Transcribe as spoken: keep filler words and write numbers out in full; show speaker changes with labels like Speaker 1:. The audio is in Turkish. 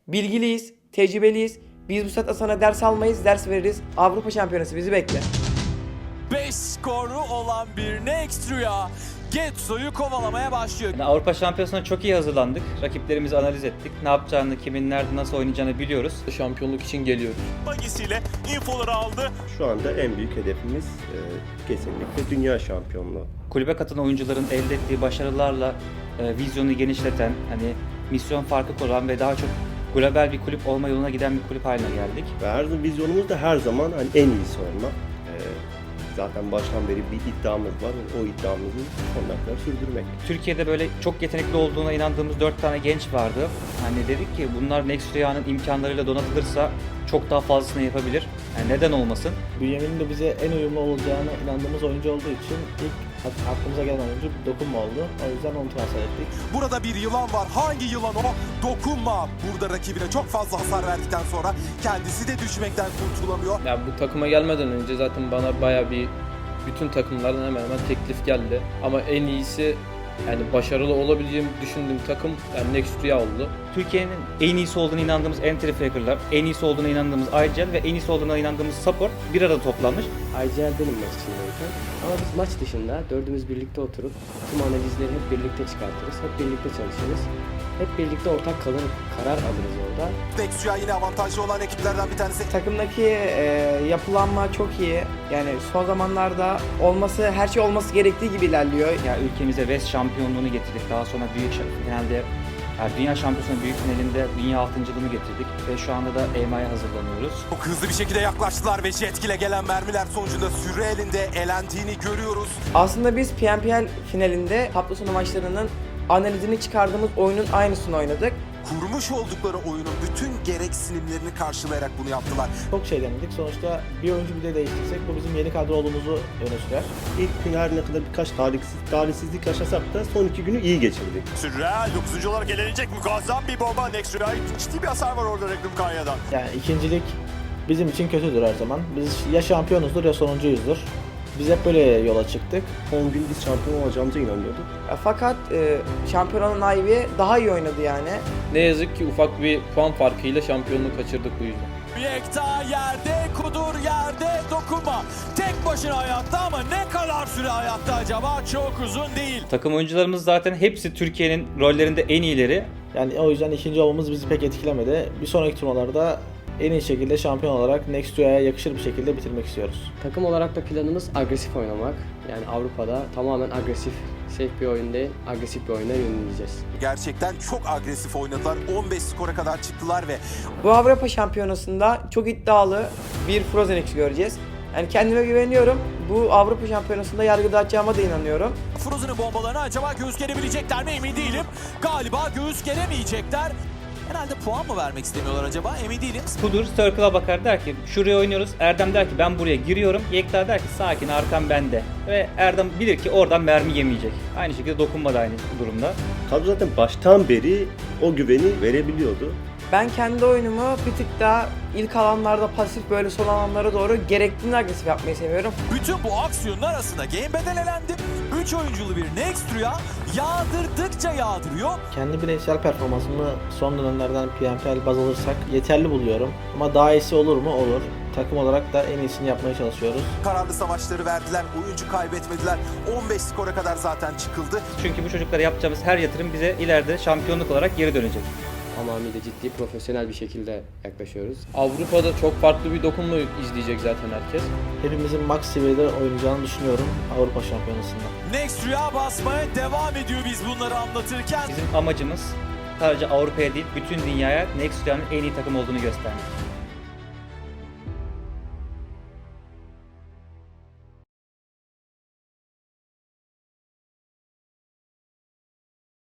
Speaker 1: Bilgiliyiz, tecrübeliyiz. Biz bu saatte sana ders almayız, ders veririz. Avrupa Şampiyonası bizi bekle.
Speaker 2: beş skoru olan bir Next Rüya Getso'yu kovalamaya başlıyor.
Speaker 3: Yani Avrupa Şampiyonası'na çok iyi hazırlandık. Rakiplerimizi analiz ettik. Ne yapacağını, kimin nerede nasıl oynayacağını biliyoruz.
Speaker 4: Şampiyonluk için geliyoruz.
Speaker 2: Magisiyle infoları aldı.
Speaker 5: Şu anda en büyük hedefimiz e, kesinlikle dünya şampiyonluğu.
Speaker 3: Kulübe katılan oyuncuların elde ettiği başarılarla e, vizyonu genişleten, hani misyon farkı kuran ve daha çok global bir kulüp olma yoluna giden bir kulüp haline geldik.
Speaker 5: Ve her zaman vizyonumuz da her zaman hani en iyisi olmak. E, zaten baştan beri bir iddiamız var. O iddiamızı sonuna kadar sürdürmek.
Speaker 3: Türkiye'de böyle çok yetenekli olduğuna inandığımız dört tane genç vardı. Hani dedik ki bunlar Next Rüya'nın imkanlarıyla donatılırsa çok daha fazlasını yapabilir. Yani neden olmasın?
Speaker 6: Bünyamin'in de bize en uyumlu olacağına inandığımız oyuncu olduğu için ilk aklımıza gelen oyuncu Dokunma oldu. O yüzden onu transfer ettik.
Speaker 2: Burada bir yılan var. Hangi yılan o? Dokunma. Burada rakibine çok fazla hasar verdikten sonra kendisi de düşmekten kurtulamıyor.
Speaker 4: Ya bu takıma gelmeden önce zaten bana baya bir bütün takımlardan hemen hemen teklif geldi. Ama en iyisi yani başarılı olabileceğimi düşündüğüm takım yani Next Rüya oldu.
Speaker 3: Türkiye'nin en iyisi olduğuna inandığımız Entry Faker'lar, en iyisi olduğuna inandığımız I G L ve en iyisi olduğuna inandığımız Support bir arada toplanmış.
Speaker 7: I G L benim maç içindeyken. Ama biz maç dışında dördümüz birlikte oturup tüm analizleri hep birlikte çıkartırız. Hep birlikte çalışırız. Hep birlikte ortak kalır, karar alırız orada.
Speaker 2: Next Rüya yine avantajlı olan ekiplerden bir tanesi.
Speaker 1: Takımdaki e, yapılanma çok iyi. Yani son zamanlarda olması, her şey olması gerektiği gibi ilerliyor.
Speaker 3: Ya ülkemize West şampiyonluğunu getirdik. Daha sonra büyük finalde, yani dünya şampiyonasının büyük finalinde dünya altıncılığını getirdik ve şu anda da E M A'ya hazırlanıyoruz.
Speaker 2: Çok hızlı bir şekilde yaklaştılar ve jet ile gelen mermiler sonucunda süre elinde elendiğini görüyoruz.
Speaker 1: Aslında biz P N P L finalinde hafta sonu maçlarının analizini çıkardığımız oyunun aynısını oynadık.
Speaker 2: Kurmuş oldukları oyunun bütün gereksinimlerini karşılayarak bunu yaptılar.
Speaker 6: Çok şey denedik. Sonuçta bir oyuncu bile değiştirsek bu bizim yeni kadro olduğumuzu öne sürer.
Speaker 5: İlk gün her ne kadar birkaç talihsiz, talihsizlik yaşasak da son iki günü iyi geçirdik.
Speaker 2: Real dokuzuncu olarak elenecek muazzam bir bomba. Next Real ciddi bir hasar var orada Regnum Kanya'dan.
Speaker 6: Yani ikincilik bizim için kötüdür her zaman. Biz ya şampiyonuzdur ya sonuncuyuzdur. Biz hep böyle yola çıktık.
Speaker 5: on gün biz şampiyon olacağımıza inanıyorduk.
Speaker 1: E, Fakat e, şampiyonun Ivy daha iyi oynadı yani.
Speaker 4: Ne yazık ki ufak bir puan farkıyla şampiyonluğu kaçırdık bu yüzden.
Speaker 2: Yekta yerde, Kudur yerde, Dokunma. Tek başına hayatta ama ne kadar süre hayatta acaba? Çok uzun değil.
Speaker 3: Takım oyuncularımız zaten hepsi Türkiye'nin rollerinde en iyileri.
Speaker 6: Yani o yüzden ikinci olmamız bizi pek etkilemedi. Bir sonraki turnuvalarda en iyi şekilde şampiyon olarak Next Rüya'ya yakışır bir şekilde bitirmek istiyoruz.
Speaker 7: Takım olarak da planımız agresif oynamak. Yani Avrupa'da tamamen agresif, safe bir oyun değil, agresif bir oyuna yöneleceğiz.
Speaker 2: Gerçekten çok agresif oynadılar. on beş skora kadar çıktılar ve
Speaker 1: Bu Avrupa Şampiyonası'nda çok iddialı bir Frozen X göreceğiz. Yani kendime güveniyorum. Bu Avrupa Şampiyonası'nda yargı dağıtacağıma da inanıyorum.
Speaker 2: Frozen'ın bombalarını acaba göğüs gerebilecekler mi emin değilim. Galiba göğüs geremeyecekler. Herhalde puan mı vermek istemiyorlar acaba emin değilim.
Speaker 3: Kudur Circle'a bakar der ki şuraya oynuyoruz. Erdem der ki ben buraya giriyorum. Yekta der ki sakin arkam bende. Ve Erdem bilir ki oradan mermi yemeyecek. Aynı şekilde Dokunma da aynı durumda.
Speaker 5: Kadro zaten baştan beri o güveni verebiliyordu.
Speaker 1: Ben kendi oyunumu bir tık daha ilk alanlarda pasif böyle son alanlara doğru gerektiğinde agresif yapmayı seviyorum.
Speaker 2: Bütün bu aksiyonun arasında Game Bedel elendi. üç oyunculu bir Next Rüya yağdırdıkça yağdırıyor.
Speaker 6: Kendi bireysel performansımı son dönemlerden P N P L baz alırsak yeterli buluyorum. Ama daha iyisi olur mu? Olur. Takım olarak da en iyisini yapmaya çalışıyoruz.
Speaker 2: Kararlı savaşları verdiler. Oyuncu kaybetmediler. on beş skora kadar zaten çıkıldı.
Speaker 3: Çünkü bu çocuklara yapacağımız her yatırım bize ileride şampiyonluk olarak geri dönecek.
Speaker 7: Tamamıyla ciddi, profesyonel bir şekilde yaklaşıyoruz.
Speaker 4: Avrupa'da çok farklı bir dokunma izleyecek zaten herkes.
Speaker 6: Hepimizin max seviyede oynayacağını düşünüyorum Avrupa Şampiyonası'nda.
Speaker 2: Next Rüya basmaya devam ediyor biz bunları anlatırken.
Speaker 3: Bizim amacımız sadece Avrupa'ya değil bütün dünyaya Next Rüya'nın en iyi takım olduğunu göstermek.